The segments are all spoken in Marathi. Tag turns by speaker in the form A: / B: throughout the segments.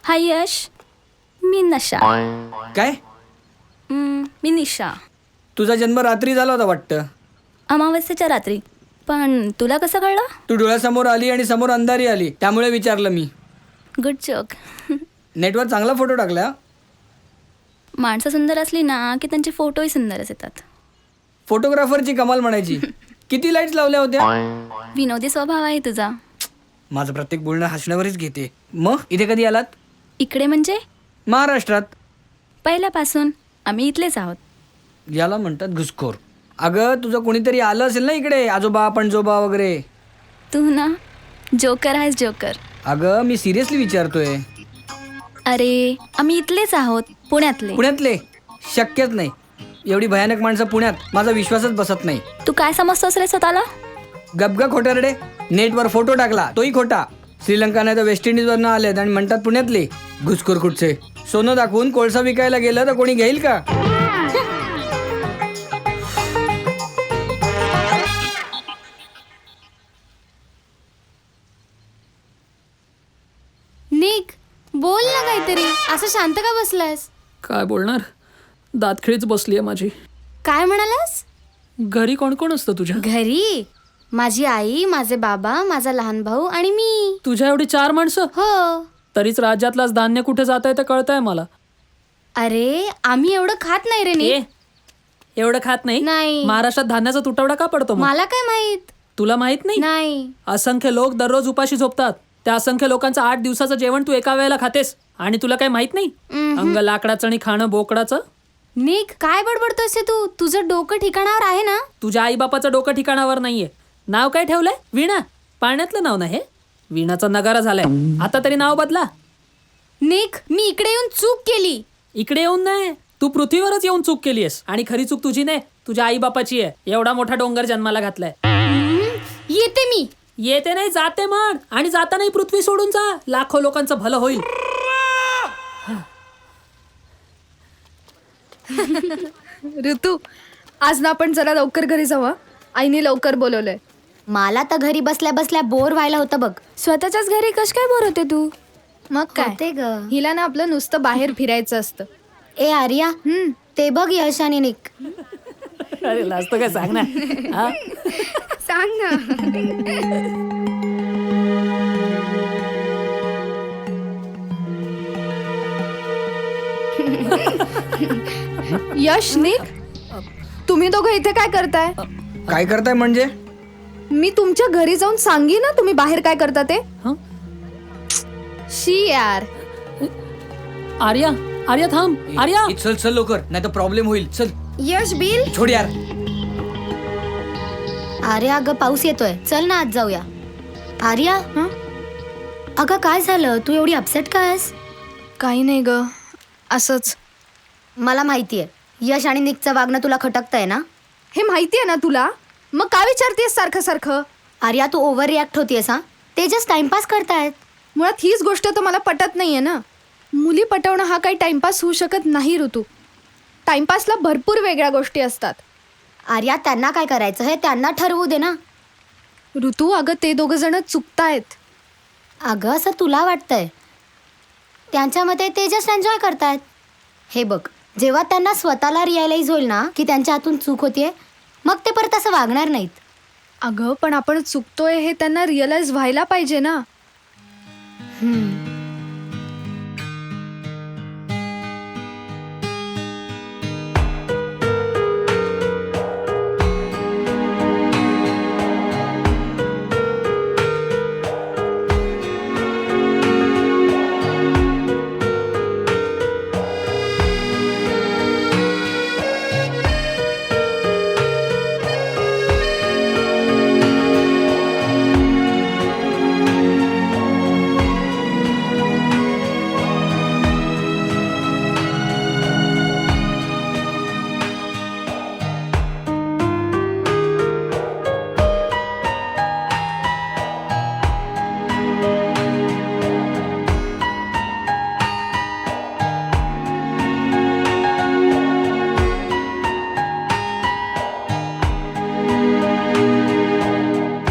A: हाय यश, मी नशा.
B: काय?
A: मी निशा.
B: तुझा जन्म रात्री झाला होता वाटतं.
A: अमावस्येच्या रात्री. पण तुला कसं कळलं?
B: तू डोळ्यासमोर आली आणि समोर अंधारी आली, त्यामुळे विचारलं मी.
A: Good joke.
B: नेटवर चांगला फोटो टाकला.
A: माणसं सुंदर असली ना की त्यांचे फोटोही सुंदरच येतात.
B: फोटोग्राफरची कमाल म्हणायची. किती लाईट्स लावल्या होत्या?
A: विनोदी स्वभाव आहे तुझा.
B: माझं प्रत्येक बोलणं हसण्यावरच घेते. मग इथे कधी आलात?
A: इकडे म्हणजे?
B: महाराष्ट्रात.
A: पहिल्यापासून आम्ही इथलेच आहोत.
B: याला म्हणतात घुसखोर. अगं तुझं कोणीतरी आलं असेल ना इकडे, आजोबा पणजोबा वगैरे.
A: तू ना जोकर आहेस, जोकर.
B: अगं मी सिरियसली विचारतोय.
A: अरे आम्ही इथलेच आहोत, पुण्यातले.
B: पुण्यातले? शक्यच नाही. एवढी भयानक माणसं पुण्यात, माझा विश्वासच बसत नाही.
A: तू काय समजतोस रे स्वतःला?
B: गपगा खोटारडे. नेटवर फोटो टाकला तोही खोटा. श्रीलंका नाही तर वेस्ट इंडिजवरनं आलेत आणि म्हणतात पुण्यातले. घुसखोर कुठचे. सोनं दाखवून कोळसा विकायला गेलं तर कोणी घेईल का?
C: निक, बोल ना काहीतरी. असं शांत का बसलायस?
D: काय बोलणार, दातखिळीच बसली आहे माझी.
C: काय म्हणालास?
D: घरी कोण कोण असतं तुझ्या?
C: घरी माझी आई, माझे बाबा, माझा लहान भाऊ आणि मी.
D: तुझ्या एवढी 4 माणसं?
C: हो.
D: तरीच राज्यातलाच धान्य कुठे जात आहे ते कळतंय मला.
C: अरे आम्ही एवढं खात नाही रे
D: ए,
C: निक.
D: एवढं खात नाही?
C: नाही.
D: महाराष्ट्रात धान्याचा तुटवडा का पडतो मग?
C: मला काय माहित.
D: तुला माहित नाही?
C: नाही.
D: असंख्य लोक दररोज उपाशी झोपतात. त्या असंख्य लोकांचं 8 दिवसाचं जेवण तू एका वेळेला खातेस आणि तुला काय माहित नाही? अंग लाकडाचं आणि खाणं बोकडाचं.
C: निक, काय बडबडतोयस तू? तुझं डोकं ठिकाणावर आहे ना?
D: तुझ्या आईबापाचं डोकं ठिकाणावर नाहीये. नाव काय ठेवलंय? वीणा. पाण्यातलं नाव नाही हे. वीणाचा नगारा झालाय. आता तरी नाव बदला.
C: निक, मी इकडे येऊन चूक केली.
D: इकडे येऊन नाही, तू पृथ्वीवरच येऊन चूक केलीयस. आणि खरी चूक तुझी नाही, तुझ्या आई बापाची आहे. एवढा मोठा डोंगर जन्माला घातलाय.
C: येते मी.
D: येते नाही, जाते म्हण. आणि जातानाही पृथ्वी सोडून जा. लाखो लोकांचं भलं होईल.
E: ऋतू, आज ना आपण जरा लवकर घरी जाऊ. आईने लवकर बोलवलंय.
C: मला तर घरी बसल्या बसल्या बोर व्हायला होतं बघ.
E: स्वतःच्याच घरी कश काय बोर होते तू? मग काय,
C: होते ग.
E: हिला ना आपलं नुसतं बाहेर फिरायचं असतं.
C: ए आर्या, ते बघ यश आणि निक.
D: अरे लाजतो काय, सांग ना. हा?
E: सांग ना. यश, निक, तुम्ही दोघं इथे काय करताय?
B: काय करताय म्हणजे?
E: मी तुमच्या घरी जाऊन सांगी ना तुम्ही बाहेर काय करता ते.
D: हं?
E: शी यार.
D: आर्या, आर्या थांब. आर्या,
B: चल चल लवकर, नाही तर प्रॉब्लेम होईल. चल.
E: यश, बिल.
B: छोड यार.
C: आर्या अगं पाऊस येतोय, चल ना आज जाऊया. आर्या, अगं काय झालं? तू एवढी अपसेट काय आहेस?
E: काही नाही ग, असंच.
C: मला माहितीये यश आणि निकचं वागणं तुला खटकतंय ना.
E: हे माहितीये ना तुला, मग काय विचारतेस सारखं सारखं?
C: आर्या तू ओव्हर रिॲक्ट होतीयस. हा, ते जस्ट टाइमपास करतायत.
E: मुळात हीच गोष्ट तर मला पटत नाहीये ना. मुली पटवणं हा काही टाइमपास होऊ शकत नाही ऋतू. टाइमपासला भरपूर वेगळ्या गोष्टी असतात.
C: आर्या त्यांना काय करायचं हे त्यांना ठरवू दे ना.
E: ऋतू, अगं ते दोघं जण चुकतायत.
C: अगं असं तुला वाटतंय, त्यांच्या मते ते जस्ट एन्जॉय करतायत. हे बघ, जेव्हा त्यांना स्वतःला रिअलाइज होईल ना की त्यांच्या हातून चूक होतीये, मग ते परत असं वागणार नाहीत.
E: अगं पण आपण चुकतोय हे त्यांना रिअलाइज व्हायला पाहिजे ना.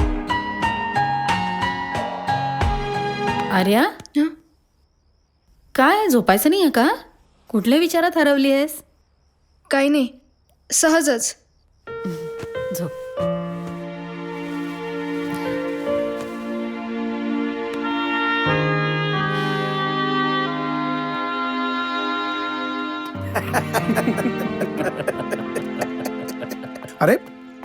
A: आर्या,
F: काय झोपायचं नाही आहे का? कुठल्या विचारात हरवली आहेस?
E: काही नाही, सहजच.
F: झोप.
G: अरे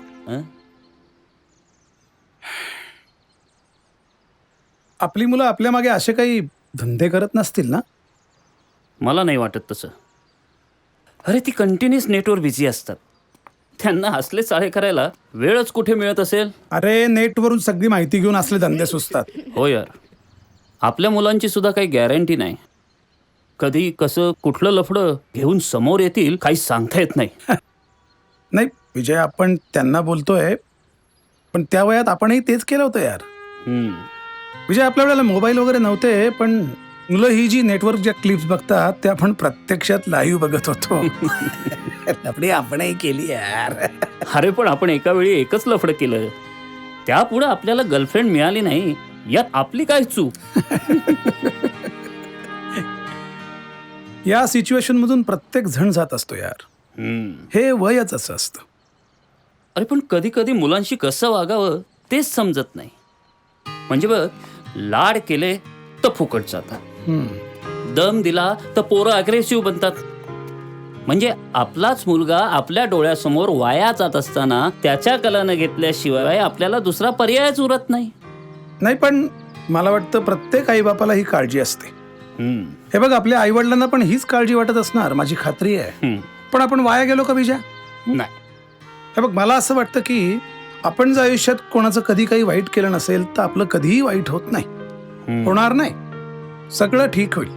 G: आपली मुलं आपल्या मागे असे काही धंदे करत नसतील ना?
H: मला नाही वाटत तसं. अरे ती कंटिन्युअस नेटवर बिझी असतात. त्यांना असले चाळे करायला वेळच कुठे मिळत असेल.
G: अरे नेटवरून सगळी माहिती घेऊन असले धंदे सुचतात.
H: हो यार, आपल्या मुलांची सुद्धा काही गॅरंटी नाही. कधी कसं कुठलं लफडं घेऊन समोर येतील काही सांगता येत नाही.
G: नाही विजय, आपण त्यांना बोलतोय, पण त्या वयात आपणही तेच केलं होतं यार.
H: हम्म.
G: विजय, आपल्या वेळेला मोबाईल वगैरे नव्हते, पण मुलं ही जी नेटवर्क ज्या क्लिप्स बघतात त्या आपण प्रत्यक्षात लाईव्ह बघत होतो. आपली आपणही केली यार.
H: अरे पण आपण एका वेळी एकच लफडं केलं. त्यापुढे आपल्याला गर्लफ्रेंड मिळाली नाही यात आपली काय चूक.
G: या सिच्युएशन मधून प्रत्येक जण जात असतो यार.
H: हम्म.
G: हे वयच असं असतं.
H: अरे पण कधी कधी मुलांशी कसं वागावं तेच समजत नाही. म्हणजे बघ, लाड केले तर फुकट जातात, दम दिला तर पोरं अग्रेसिव्ह बनतात. म्हणजे आपलाच मुलगा आपल्या डोळ्यासमोर वाया जात असताना त्याच्या कलानं घेतल्याशिवाय आपल्याला दुसरा पर्यायच उरत नाही.
G: नाही, पण मला वाटतं प्रत्येक आईबापाला ही काळजी असते.
H: हम्म.
G: हे बघ, आपल्या आईवडिलांना पण हीच काळजी वाटत असणार, माझी खात्री आहे.
H: हम्म.
G: पण आपण वाया गेलो का विजय?
H: नाही.
G: हे बघ, मला असं वाटतं की आपण जर आयुष्यात कोणाचं कधी काही वाईट केलं नसेल तर आपलं कधीही वाईट होत नाही. होणार नाही, सगळं ठीक होईल.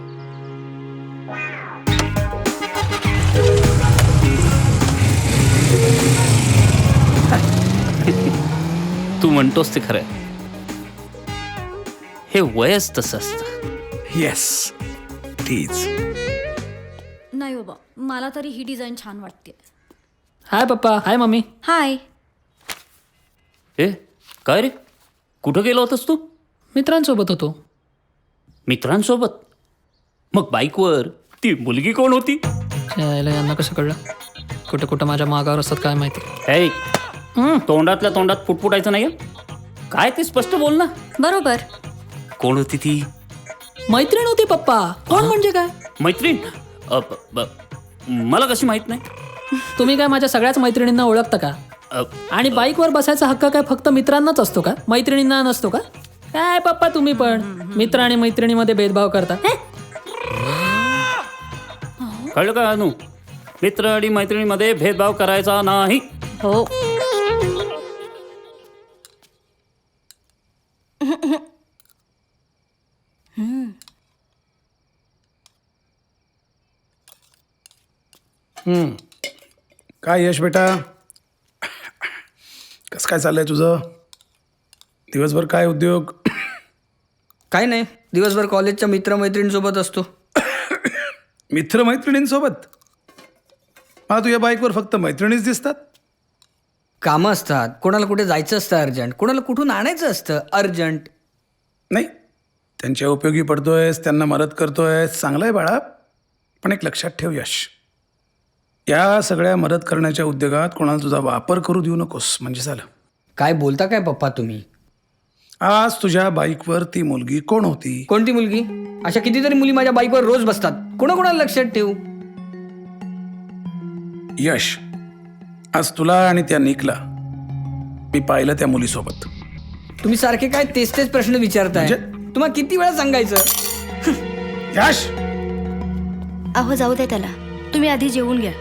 H: तू म्हणतोस ते खरंय. हे वयच तसं असतं.
G: Yes, please.
I: नाही बाबा, मला तरी ही डिझाईन छान वाटते.
D: हाय पप्पा, हाय मम्मी.
I: हाय.
H: ए काय रे, कुठं गेला होतास तू?
D: मित्रांसोबत होतो.
H: मित्रांसोबत? मग बाईकवर ती मुलगी कोण होती?
D: यायला यांना कसं कळलं? कुठं कुठं माझ्या मागावर असतात काय माहिती.
H: ऐ, तोंडातल्या तोंडात फुटफुटायचं नाही. काय ते स्पष्ट बोल ना.
I: बरोबर.
H: कोण होती ती?
D: मैत्रीण होती पप्पा. कोण म्हणजे काय?
H: मैत्रीण? मला कशी माहित नाही?
D: तुम्ही काय माझ्या सगळ्याच मैत्रिणींना ओळखता का? आणि बाईकवर बसायचा हक्क काय फक्त मित्रांनाच असतो का, मैत्रिणींना नसतो का? काय पप्पा तुम्ही पण मित्र आणि मैत्रिणीमध्ये भेदभाव करता.
H: कळलं का अनु? मित्र आणि मैत्रिणीमध्ये भेदभाव करायचा नाही.
I: हो.
G: काय यश बेटा, कसं काय चाललंय तुझं? दिवसभर काय उद्योग?
B: काय नाही, दिवसभर कॉलेजच्या मित्रमैत्रिणींसोबत असतो.
G: मित्रमैत्रिणींसोबत? मला तुझ्या बाईकवर फक्त मैत्रिणीच दिसतात.
B: कामं असतात, कोणाला कुठे जायचं असतं अर्जंट, कोणाला कुठून आणायचं असतं अर्जंट.
G: नाही, त्यांच्या उपयोगी पडतोयस, त्यांना मदत करतोयस, चांगलं आहे बाळा. पण एक लक्षात ठेव यश, या सगळ्या मदत करण्याच्या उद्योगात कोणाला तुझा वापर करू देऊ नकोस, म्हणजे झालं.
B: काय बोलता काय पप्पा तुम्ही?
G: आज तुझ्या बाईकवर ती मुलगी कोण होती?
B: कोणती मुलगी? अशा कितीतरी मुली माझ्या बाईकवर रोज बसतात, कोणाकोणाला लक्षात ठेवू?
G: यश, आज तुला आणि त्या निकला मी पाहिलं त्या मुलीसोबत.
B: तुम्ही सारखे काय तेच तेच प्रश्न विचारताय. तुम्हाला किती वेळा सांगायचं?
G: यश,
C: अहो जाऊ दे त्याला, तुम्ही आधी जेवून घ्या.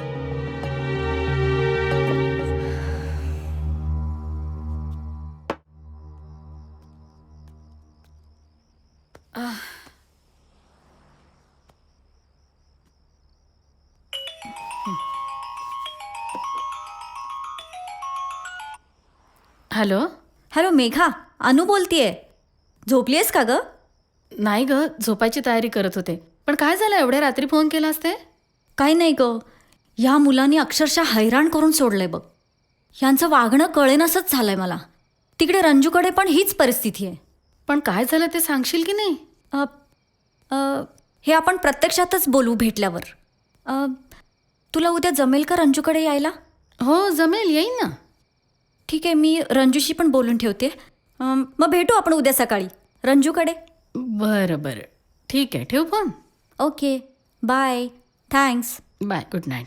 F: हॅलो.
I: हॅलो मेघा, अनु बोलतीये. झोपलीयस का ग?
F: नाही ग, झोपायची तयारी करत होते. पण काय झालं, एवढ्या रात्री फोन केला असते?
I: काही नाही ग, ह्या मुलांनी अक्षरशः हैराण करून सोडलंय बघ. ह्यांचं वागणं कळेनासच झालंय मला. तिकडे रंजूकडे पण हीच परिस्थिती आहे.
F: पण काय झालं ते सांगशील की नाही?
I: हे आपण प्रत्यक्षातच बोलू भेटल्यावर. तुला उद्या जमेल का रंजूकडे यायला?
F: हो जमेल, येईन ना.
I: ठीक आहे, मी रंजूशी पण बोलून ठेवते. मग भेटू आपण उद्या सकाळी रंजूकडे.
F: बरं बरं, ठीक आहे, ठेवू फोन.
I: Okay, bye, thanks.
F: Bye, good night.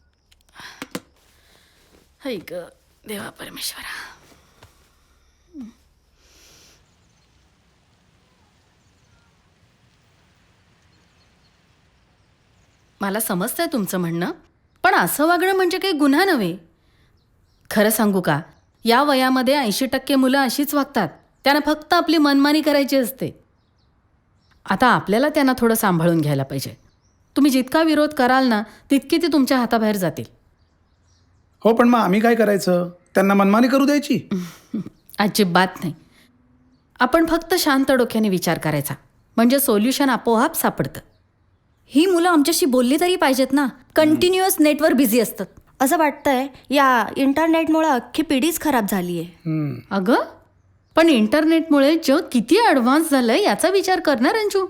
F: हाय ग देवा परमेश्वरा. मला समजतंय तुमचं म्हणणं, पण असं वागणं म्हणजे काही गुन्हा नव्हे. खरं सांगू का, या वयामध्ये 80% मुलं अशीच वागतात. त्यांना फक्त आपली मनमानी करायची असते. आता आपल्याला त्यांना थोडं सांभाळून घ्यायला पाहिजे. तुम्ही जितका विरोध कराल ना, तितकी ती तुमच्या हाताबाहेर जातील.
G: हो, पण मग आम्ही काय करायचं? त्यांना मनमानी करू द्यायची?
F: अजिबात नाही. आपण फक्त शांत डोक्याने विचार करायचा, म्हणजे सोल्युशन आपोआप सापडतं.
I: ही मुलं आमच्याशी बोलली तरी पाहिजेत ना. कंटिन्युअस नेटवर बिझी असतात. असं वाटतंय या इंटरनेटमुळे अख्खी पिढीच खराब झाली आहे.
F: अगं, पण इंटरनेटमुळे जग किती ॲडव्हान्स झालंय याचा विचार कर ना रंजू.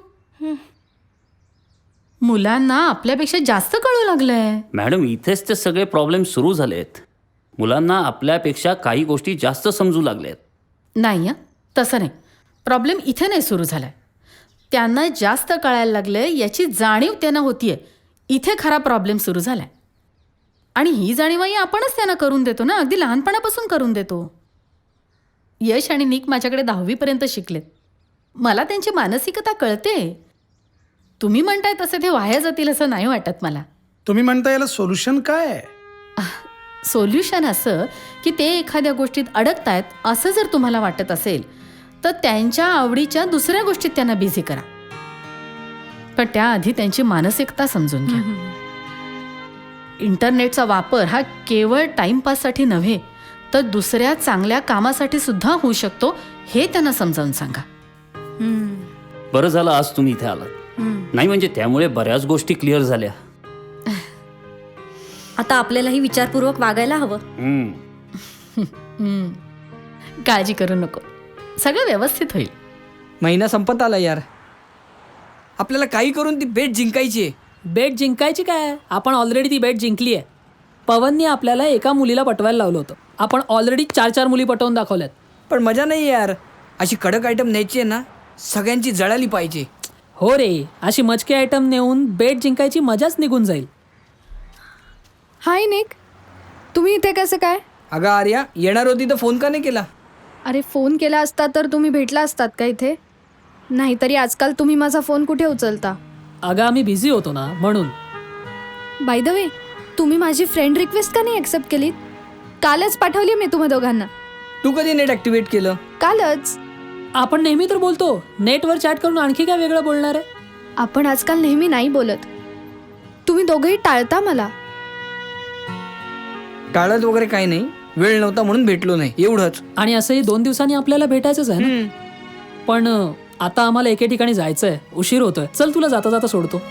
F: मुलांना आपल्यापेक्षा जास्त कळू लागलंय.
H: मॅडम, इथेच ते सगळे प्रॉब्लेम सुरू झालेत. मुलांना आपल्यापेक्षा काही गोष्टी जास्त समजू लागल्यात.
F: नाही हं, तसं नाही. प्रॉब्लेम इथे नाही सुरू झालाय. त्यांना जास्त कळायला लागलंय याची जाणीव त्यांना होतीये. इथे खरा प्रॉब्लेम सुरू झालाय. आणि ही जाणीवही आपणच त्यांना करून देतो ना, अगदी लहानपणापासून करून देतो. यश आणि निक माझ्याकडे 10वीपर्यंत शिकलेत. मला त्यांची मानसिकता कळते. तुम्ही म्हणताय तसे ते वाया जातील असं नाही वाटत मला.
G: तुम्ही म्हणता याला सोल्युशन काय आहे?
F: सोल्युशन असं की ते एखाद्या गोष्टीत अडकतायत असं जर तुम्हाला वाटत असेल तर त्यांच्या आवडीच्या दुसऱ्या गोष्टीत त्यांना बिझी करा. पण त्याआधी त्यांची मानसिकता समजून घ्या. इंटरनेटचा वापर हा केवळ टाइमपाससाठी नव्हे तर दुसऱ्या चांगल्या कामासाठी सुद्धा होऊ शकतो, हे त्यांना समजावून सांगा.
H: बरं झालं आज तुम्ही इथे आलात. नाही म्हणजे त्यामुळे बऱ्याच गोष्टी क्लिअर झाल्या.
I: आता आपल्यालाही विचारपूर्वक वागायला हवं.
F: काळजी करू नको, सगळं व्यवस्थित होईल.
B: महिना संपत आला यार. आपल्याला काही करून ती बेट जिंकायची आहे.
D: बेट जिंकायची काय, आपण ऑलरेडी ती बेट जिंकली आहे. पवनने आपल्याला एका मुलीला पटवायला लावलं होतं. आपण ऑलरेडी 4 मुली पटवून दाखवल्यात.
B: पण मजा नाही यार. अशी कडक आयटम न्यायची आहे ना, सगळ्यांची जळाली पाहिजे.
D: हो रे, अशी मचके आयटम नेऊन बेट जिंकायची मजाच निघून जाईल.
E: हाय निक, तुम्ही इथे कसं काय?
B: अगं आर्या, येणार होती तर फोन का नाही केला?
E: अरे फोन केला असता तर तुम्ही भेटला असतात का इथे? नाहीतरी आजकाल तुम्ही माझा फोन कुठे उचलता?
D: अगं आम्ही बिझी होतो ना म्हणून.
E: बाय द वे, तुम्ही माझी फ्रेंड रिक्वेस्ट का नाही ॲक्सेप्ट केलीत? कालच पाठवली मी तुम्हा दोघांना.
B: तू कधी नेट ॲक्टिवेट केलं?
E: कालच.
D: आपण नेहमी तर बोलतो, नेटवर चॅट करून आणखी काय वेगळं बोलणार आहे?
E: आपण आजकाल नेहमी नाही बोलत. तुम्ही दोघंही टाळता मला.
B: टाळत वगैरे काही नाही, वेळ नव्हता म्हणून भेटलो नाही, एवढंच.
D: आणि असंही 2 दिवसांनी आपल्याला भेटायचंच आहे ना. पण आता आम्हाला एके ठिकाणी जायचंय, उशीर होतोय. चल तुला जाता जाता सोडतो.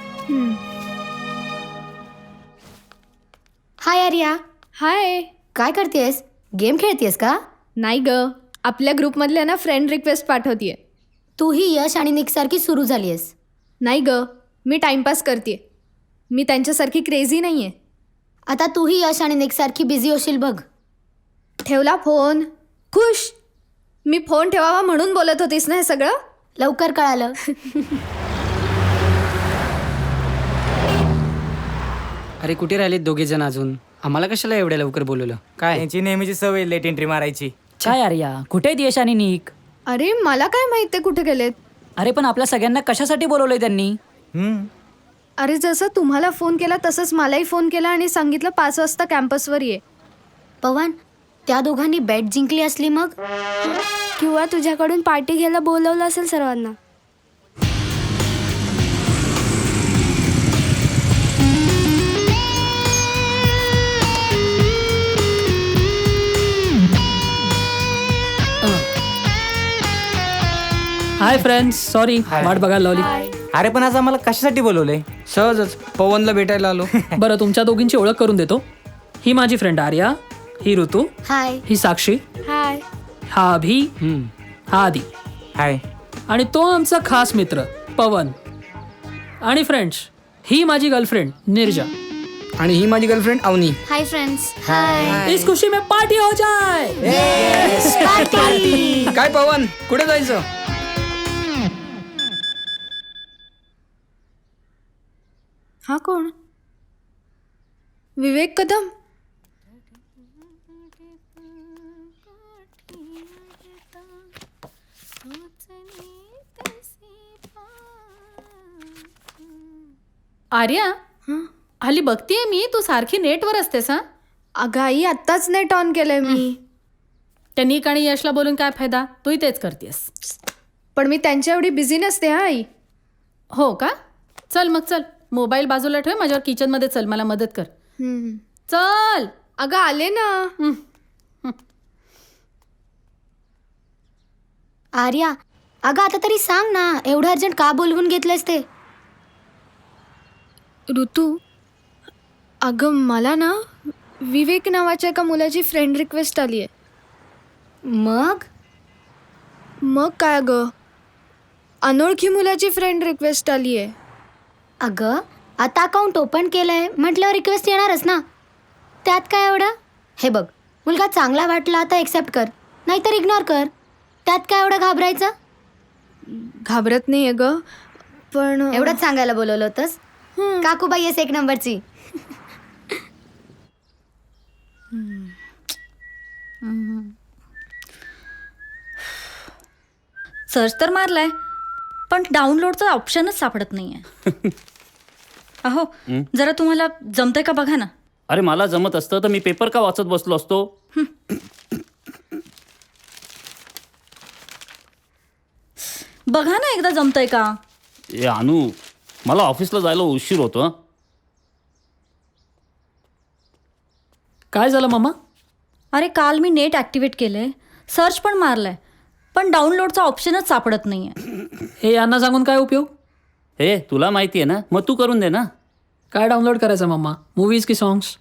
C: हाय आर्या,
E: हाय.
C: काय करतेस? गेम खेळतेस का?
E: नाही ग, आपल्या ग्रुपमधल्या ना फ्रेंड रिक्वेस्ट पाठवतीये.
C: तूही यश आणि निक सारखी सुरू झालीयस.
E: नाही ग, मी टाइमपास करते. मी त्यांच्यासारखी क्रेझी नाही आहे.
C: आता तूही यश आणि निक सारखी बिझी होशील बघ.
E: ठेवला फोन? खुश. मी फोन ठेवावा म्हणून बोलत होतीस ना हे सगळं?
C: लवकर कळालं.
J: अरे कुठे राहिलेत दोघे जण अजून? आम्हाला कशाला एवढ्या लवकर बोलवलं? काय
K: त्यांची नेहमीची सवय लेट एंट्री मारायची.
J: काय आर्या, कुठे आहेत यश आणि निक?
E: अरे मला काय माहित ते कुठे गेलेत.
J: अरे पण आपल्या सगळ्यांना कशासाठी बोलवलंय त्यांनी?
E: अरे जसं तुम्हाला फोन केला तसंच मलाही फोन केला आणि सांगितलं 5 वाजता कॅम्पसवर ये.
C: पवन, त्या दोघांनी बॅट जिंकली असली मग?
E: किंवा तुझ्याकडून पार्टी घ्यायला बोलवलं असेल सर्वांना.
D: हाय फ्रेंड्स, सॉरी वाट बघायला लावली.
K: अरे पण आज आम्हाला कशासाठी बोलवलंय?
B: सहजच पवनला भेटायला आलो.
D: बरं, तुमच्या दोघींची ओळख करून देतो. ही माझी फ्रेंड आर्या, ही ऋतू,
C: हाय.
D: ही साक्षी,
E: हाय.
D: हा अभि, हा आदी,
K: हाय.
D: आणि तो आमचा खास मित्र पवन. आणि फ्रेंड्स, ही माझी गर्लफ्रेंड निर्जा.
B: आणि ही माझी girlfriend Avni.
C: Hi friends. Hi.
D: इस खुशी में पार्टी हो जाए.
B: काय पवन, कुठे जायचं?
E: हा कोण? विवेक कदम.
F: आर्या, हल्ली बघतीये मी तू सारखी नेटवर असतेस. हा,
E: अगं आई, आत्ताच नेट ऑन केलंय मी.
F: त्यांनी आणि यशला बोलून काय फायदा, तूही तेच करतेस.
E: पण मी त्यांच्या एवढी बिझी नसते हा आई.
F: हो का? चल मग, चल मोबाईल बाजूला ठेव, माझ्यावर किचनमध्ये चल, मला मदत कर. चल.
E: अगं आले ना.
C: आर्या, अगं आता तरी सांग ना, एवढं अर्जंट का बोलवून घेतलंस ते?
E: ऋतू, अगं मला ना विवेक नावाच्या एका मुलाची फ्रेंड रिक्वेस्ट आली आहे. मग काय अगं, अनोळखी मुलाची फ्रेंड रिक्वेस्ट आली आहे.
C: अगं आता अकाउंट ओपन केलंय म्हटल्यावर रिक्वेस्ट येणारच ना, त्यात काय एवढं? हे बघ, मुलगा चांगला वाटला तर एक्सेप्ट कर, नाहीतर इग्नोर कर. त्यात काय एवढं घाबरायचं?
E: घाबरत नाही आहे ग, पण
C: एवढंच सांगायला बोलवलं होतंस? काकूबाई आहेस एक नंबरची.
I: सर्च तर मारलाय, पण डाउनलोडचं ऑप्शनच सापडत नाहीये. अहो, जरा तुम्हाला जमतंय का बघा ना.
H: अरे मला जमत असतं तर मी पेपर का वाचत बसलो असतो.
I: बघा ना एकदा जमतंय का.
H: ए अनु, मला ऑफिसला जायला उशीर होतो. हं.
D: काय झालं मामा?
I: अरे काल मी नेट ॲक्टिवेट केलंय, सर्च पण मारलाय, पण डाउनलोडचा ऑप्शनच सापडत नाहीये.
D: हे यांना सांगून काय उपयोग?
H: हे तुला माहिती आहे ना, मग तू करून दे ना.
D: काय डाउनलोड करायचं मामा, मूवीज की सॉंग्स?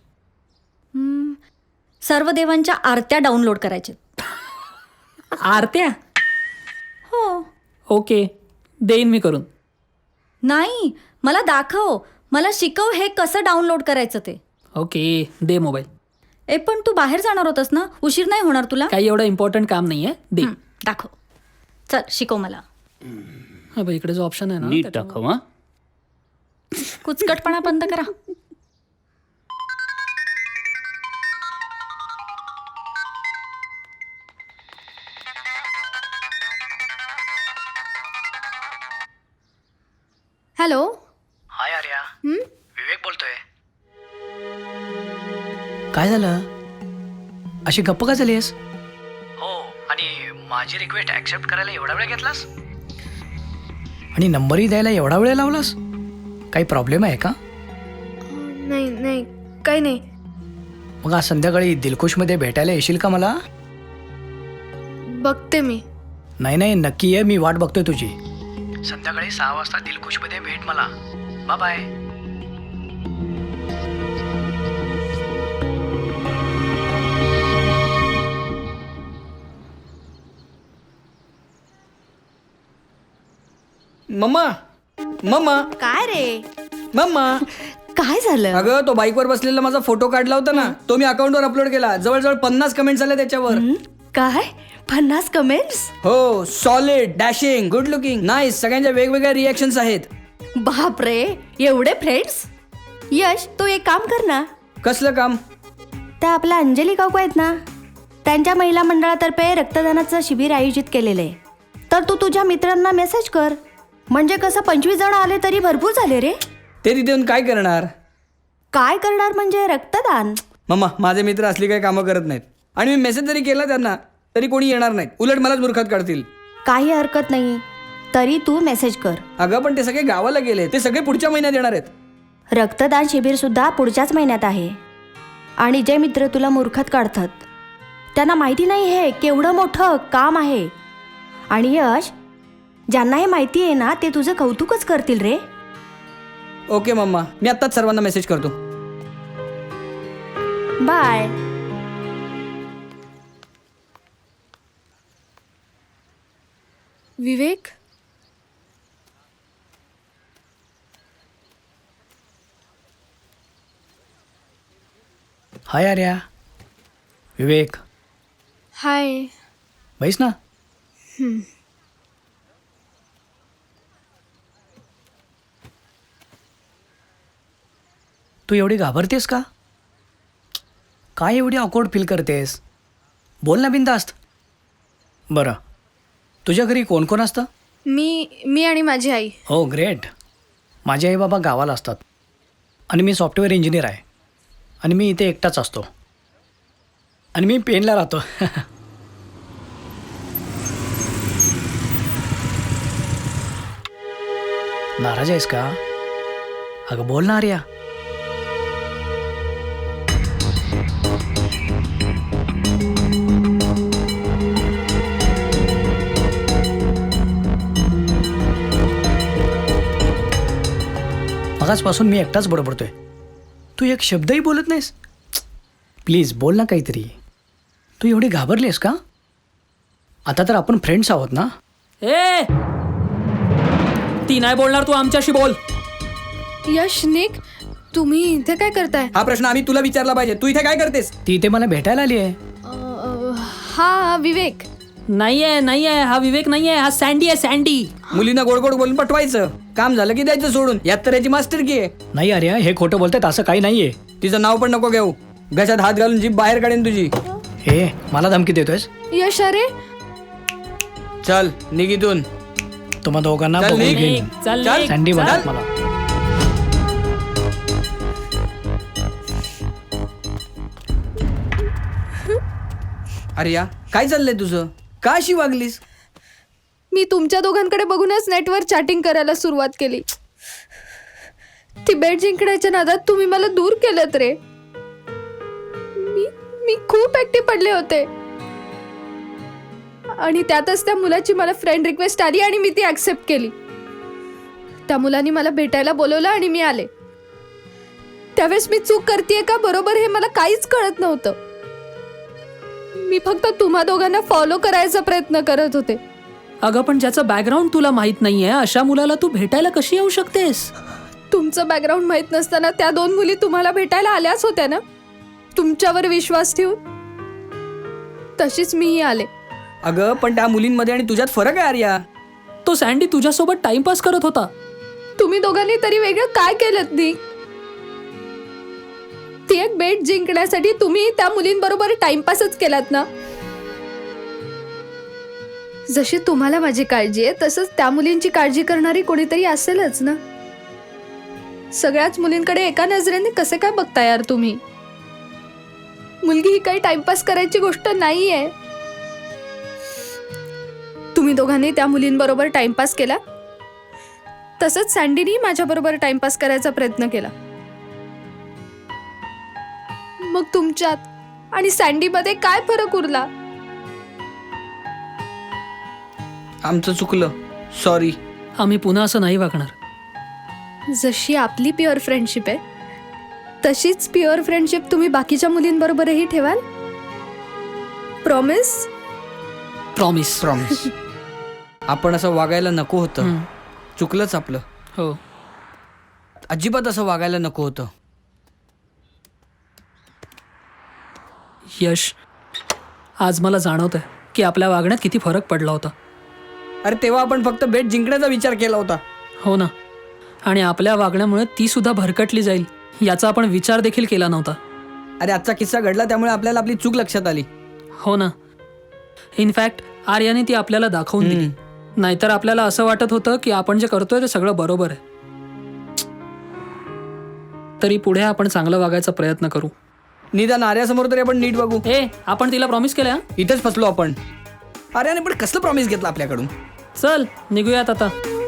I: सर्व देवांच्या आरत्या डाउनलोड करायच्या.
D: आरत्या?
I: हो.
D: ओके, देईन मी करून.
I: नाही, मला दाखव, मला शिकव हे कसं डाउनलोड करायचं ते.
D: ओके, दे मोबाईल.
I: पण तू बाहेर जाणार होतास ना, उशीर नाही होणार तुला?
D: काही एवढं इम्पॉर्टंट काम नाही आहे, दे.
I: दाखव, चल शिकव मला.
D: हा बाई, इकडे जो ऑप्शन आहे ना,
H: नीट दाखव. हा,
I: कुचकटपणा बंद करा.
E: हॅलो.
B: हाय आर्या, विवेक बोलतोय. काय झालं, अशी गप्प का झालीस? हो, आणि माझी रिक्वेस्ट ऍक्सेप्ट करायला एवढा वेळ घेतलास, आणि नंबरही द्यायला एवढा वेळ लावलास? काही प्रॉब्लेम आहे का?
E: नाही नाही, काही नाही.
B: मग आज संध्याकाळी दिलखुशमध्ये भेटायला येशील का मला?
E: बघते मी.
B: नाही नाही, नक्की ये, मी वाट बघतोय तुझी. संध्याकाळी 6 वाजता दिलखुशमध्ये भेट मला. Bye bye. मम्मा, मम्मा,
I: काय रे,
B: मम्मा.
I: काय झालं?
B: अगं, तो बाईकवर बसलेला माझा फोटो काढला होता ना, तो मी अकाउंटवर अपलोड केला. जवळजवळ 50 कमेंट्स आले त्याच्यावर.
I: काय 50 कमेंट्स?
B: हो, solid, dashing, good looking, nice, सगळ्यांच्या वेगवेगळ्या रिएक्शन्स आहेत.
I: बापरे, एवढे फ्रेंड्स. यश, तू एक काम कर ना.
B: कसलं काम?
I: त्या आपल्या अंजली काकू आहेत ना, त्यांच्या महिला मंडळातर्फे रक्तदानाचं शिबिर आयोजित केलेलं आहे. तर तू तुझ्या मित्रांना मेसेज कर, म्हणजे कसं 25 जण आले तरी भरपूर झाले रे.
B: ते तिथे येऊन काय करणार?
I: काय करणार म्हणजे रक्तदान.
B: मम्मा, माझे मित्र असली काही कामं करत नाहीत, आणि मी मेसेज जरी केला त्यांना तरी कोणी येणार नाहीत, उलट मलाच मूर्खात काढतील.
I: काही हरकत नाही, तरी तू मेसेज कर.
B: अगं, पण ते सगळे गावाला गेले, ते सगळे पुढच्या महिन्यात येणार आहेत.
I: रक्तदान शिबिर सुद्धा पुढच्याच महिन्यात आहे. आणि जे मित्र तुला मूर्खात काढतात त्यांना माहिती नाही हे केवढं मोठं काम आहे. आणि यश, ज्यांना हे माहिती आहे ना, ते तुझं कौतुकच करतील रे.
B: ओके मम्मा, मी आत्ताच सर्वांना मेसेज करतो.
I: Bye.
E: Vivek,
B: hi Arya. Vivek,
E: hi.
B: बैस ना. तू एवढी घाबरतेस का? काय एवढी ऑकवर्ड फील करतेस? बोल ना बिनधास्त. बरं, तुझ्या घरी कोण कोण असतं?
E: मी आणि माझी आई.
B: हो ग्रेट. माझे आई बाबा गावाला असतात आणि मी सॉफ्टवेअर इंजिनियर आहे आणि मी इथे एकटाच असतो आणि मी पेनला राहतो. नाराज आहेस का? अगं बोल ना आर्या. मगाचपासून मी एकटाच बडबडतोय. तू एक शब्दही बोलत नाहीस. प्लीज बोल ना काहीतरी. तू एवढी घाबरलीस का? आता तर आपण फ्रेंड्स आहोत ना.
D: ए, ती नाही बोलणार, तू आमच्याशी बोल.
E: यश, निक, तुम्ही इथे काय करताय?
K: हा प्रश्न आम्ही तुला विचारला पाहिजे. तू इथे काय करतेस?
B: ती इथे मला भेटायला आली आहे.
E: हा विवेक.
D: नाहीये, हा विवेक नाहीये, हा सँडी आहे, सँडी.
K: मुलींना गोड गोड बोलून पटवायचं, काम झालं की द्यायचं सोडून. यात तर याची मास्टर की आहे.
B: नाही आर्या, हे खोटं बोलतात, असं काही नाहीये.
K: तिचं नाव पण नको घेऊ. घशात हात घालून जीभ बाहेर काढेन तुझी.
B: हे मला धमकी देतोयस?
E: यश, अरे
K: चल निघितून.
B: तुम्हा दोघांना
K: चल,
B: बघून
K: निघ.
B: घेईन.
D: चल,
K: चल.
D: निघ.
B: सँडी
D: चल.
B: म्हणतात मला.
K: अरे या काय चाललंय तुझं? का अशी वागलीस?
E: मी तुमच्या दोघांकडे बघूनच नेटवर चॅटिंग करायला सुरुवात केली. ती बेट जिंकण्याच्या नादात तुम्ही मला दूर केलं रे. मी खूप ऍक्टिव्ह पडले होते आणि त्यातच त्या मुलाची मला फ्रेंड रिक्वेस्ट आली आणि मी ती ऍक्सेप्ट केली. त्या मुलाने मला भेटायला बोलवलं आणि मी आले. त्यावेळेस मी चूक करतेय का बरोबर हे मला काहीच कळत नव्हतं. मी फक्त तुम्हा दोघांना फॉलो करायचा प्रयत्न करत होते.
D: अगं पण ज्याचं बॅकग्राऊंड तुला माहित नाहीये अशा मुलाला तू भेटायला कशी येऊ शकतेस?
E: तुमचं बॅकग्राऊंड माहित नसताना त्या दोन मुली तुम्हाला भेटायला आल्याच होत्या ना, तुमच्यावर विश्वास ठेवून. तशीच मीही आले.
K: अगं पण त्या मुलींमध्ये आणि तुझ्यात फरक आहे आर्या.
D: तो सँडी तुझ्यासोबत टाइमपास करत होता.
E: तुम्ही दोघांनी तरी वेगळं काय केलं नी? ती एक बेट जिंकण्यासाठी तुम्ही त्या मुलींबरोबर टाइमपासच केलात ना. जशी तुम्हाला माझी काळजी आहे तसंच त्या मुलींची काळजी करणारी कोणीतरी असेलच ना. सगळ्याच मुलींकडे एका नजरेने कसे काय बघता यार तुम्ही? मुलगी ही काही टाइमपास करायची गोष्ट नाहीये. तुम्ही दोघांनी त्या मुलींबरोबर टाइमपास केला, तसंच सँडीनी माझ्याबरोबर टाइमपास करायचा प्रयत्न केला. मग तुमच्यात आणि सँडीमध्ये काय फरक उरला?
K: आमचं चुकलं, सॉरी.
D: आम्ही पुन्हा असं नाही वागणार.
E: जशी आपली प्युअर फ्रेंडशिप आहे तशीच प्युअर फ्रेंडशिप तुम्ही बाकीच्या मुलींबरोबरही ठेवाल? प्रॉमिस?
D: प्रॉमिस.
K: प्रॉमिस. आपण असं वागायला नको होतं. चुकलंच आपलं.
D: हो.
K: अजिबात असं वागायला नको होतं.
D: यश, आज मला जाणवतंय की आपल्या वागण्यात किती फरक पडला होता.
K: अरे तेव्हा आपण फक्त बेट जिंकण्याचा विचार केला होता.
D: हो ना. आणि आपल्या वागण्यामुळे ती सुद्धा भरकटली जाईल याचा आपण विचार देखील केला नव्हता.
K: अरे आजचा किस्सा घडला त्यामुळे आपल्याला आपली चूक लक्षात आली.
D: हो ना. इनफॅक्ट आर्याने ती आपल्याला दाखवून दिली. नाहीतर आपल्याला असं वाटत होतं की आपण जे करतोय ते सगळं बरोबर आहे. तरी पुढे आपण चांगलं वागायचा प्रयत्न करू.
K: निदान आर्यासमोर तरी आपण नीट बघू.
D: आपण तिला प्रॉमिस केलं.
K: इथेच फसलो आपण. आर्याने पण कसलं प्रॉमिस घेतलं आपल्याकडून?
D: चल निघूयात आता.